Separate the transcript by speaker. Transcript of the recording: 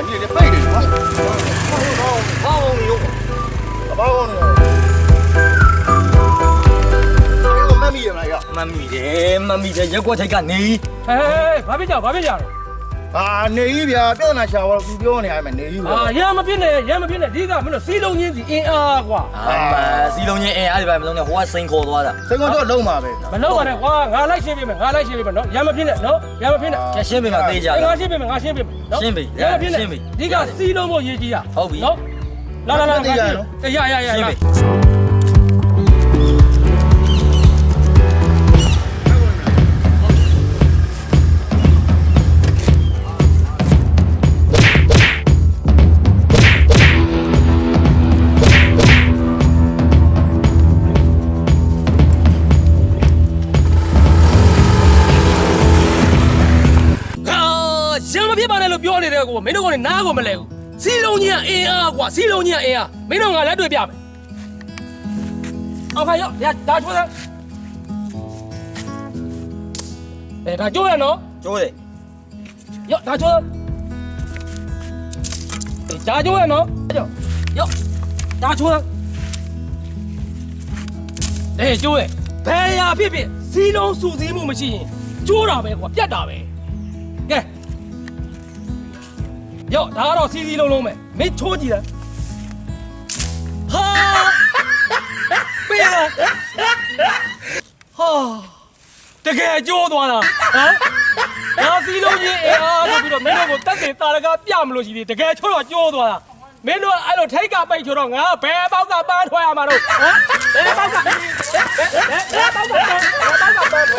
Speaker 1: 你得背的嘛。好牛，好牛。这个慢米来呀？
Speaker 2: 慢米的，一过才干你。
Speaker 3: 哎，ဘာဖြစ်ကြလဲ
Speaker 1: 啊，你别别那小伙不表呢，还没你。
Speaker 3: 啊，ရမဖြစ်နဲ့ဒီကမင်းတို့စီလုံးချင်းစီအင်းအားကွာ
Speaker 2: စီလုံးချင်းအဲ့ဒီဘက်မလုံးနဲ့ဟိုကစိန်ခေါ်သွားတာ
Speaker 1: 这个叫လုံး嘛呗。
Speaker 3: မလုပ်ပါနဲ့ကွာငါလိုက်ရှင်းပေးမယ်နော်ရမဖြစ်နဲ့နော်ရမဖြစ်နဲ့
Speaker 2: ကျရှင်းပေးမှသေးကြတယ်
Speaker 3: ငါရှင်းပေးမယ်နော်
Speaker 2: ရှင်းပေး
Speaker 3: ရမဖြစ်နဲ့ဒီကစီလုံးဖို့ရေးကြီးတာ
Speaker 2: ဟုတ်ပြီ
Speaker 3: နော်လာရ
Speaker 2: ရှင်းပေး
Speaker 3: ရမဖြစ်ပါနဲ့လို့ပြောနေတဲ့ကိုမင်းတို့ကလည်းနားကိုမလဲဘူးစီလုံးကြီးကအင်းအားကွာစီလုံးကြီးကအင်းအားမင်းတို့ကလည်းတွေ့ပြမယ်အော်ခါရောဒါချိုးတယ်ဒါချိုးရနော်
Speaker 2: ကျိုးတယ်
Speaker 3: ရောဒါချိုးဒါချိုးရနော်ရောဒါချိုးကျိုးရဘယ်ရာဖြစ်စီလုံးစုစည်းမှုမရှိရင်ကျိုးတာပဲကွာပြတ်တာပဲကဲရောဒါကတော့စီစီလုံးပဲမင်းချိုးကြည့်လားဟာပေးလားဟာတကယ်ကျိုးသွားတာဟမ်ဒါစီလုံးကြီးအားဆိုပြီးတော့မင်းတို့ကိုတက်တယ်တာရကပြမလို့ရှိသေးတကယ်ချိုးတော့ကျိုးသွားတာမင်းတို့အဲ့လိုထိတ်ကပိတ်ချိုးတော့ငါဘယ်ပေါက်ကပန်းထွက်ရမှာတော့ဟမ်ဘယ်ပေါက်ကပန်း